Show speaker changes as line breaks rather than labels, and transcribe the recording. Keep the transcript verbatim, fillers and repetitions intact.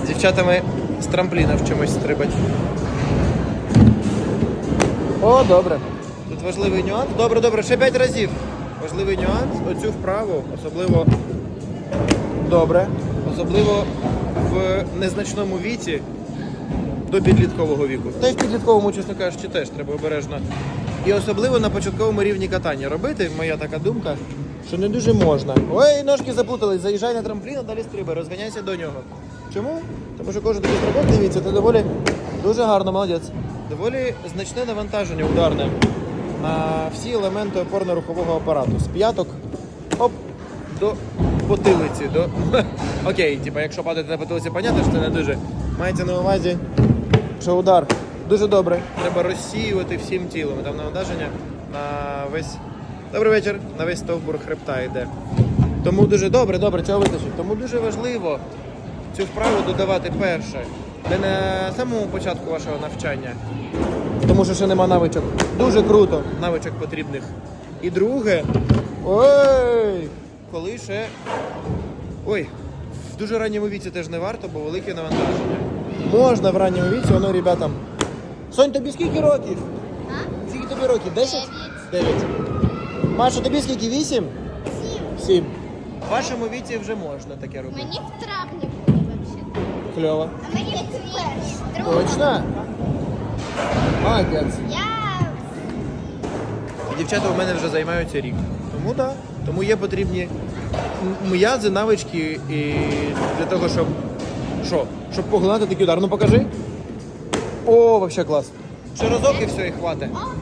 З дівчатами з трампліна вчимось стрибати. О, добре. Тут важливий нюанс. Добре, добре, ще п'ять разів. Важливий нюанс. Оцю вправу, особливо добре, особливо в незначному віці до підліткового віку. Та й в підлітковому, чесно кажучи, теж треба обережно. І особливо на початковому рівні катання робити, моя така думка, що не дуже можна. Ой, ножки заплутались, заїжджай на трамплін, а далі стрибай, розганяйся до нього. Чому? Тому що кожен такий стрибок, дивіться, це доволі дуже гарно, молодець. Доволі значне навантаження ударне на всі елементи опорно-рухового апарату. З п'яток, оп, до потилиці. До... Окей, типу, якщо падати на потилиці, понятно, що це не дуже. Мається на увазі, що удар дуже добре. Треба розсіювати всім тілом. Там навантаження на весь... Добрий вечір. На весь стовбур хребта йде. Тому дуже добре, добре, цього вистачить. Тому дуже важливо цю вправу додавати перше. Не на самому початку вашого навчання, тому що ще нема навичок. Дуже круто, навичок потрібних. І друге, ой, коли ще, ой, в дуже ранньому віці теж не варто, бо велике навантаження. Можна в ранньому віці, воно, ребятам. Сонь, тобі скільки років?
А?
Скільки тобі років? Десять?
Дев'ять.
Дев'ять. Маша, тобі скільки? Вісім?
Сім.
Сім. В вашому віці вже можна таке робити.
Мені в травні було взагалі.
Кльово.
А мені в перший.
Точно? Молодець.
Я...
Дівчата у мене вже займаються рік. Тому так. Да. Тому є потрібні м'язи, навички і для того, щоб що? Щоб поглинати такий удар. Ну покажи. О, взагалі клас. Ще разок і все, і хватить.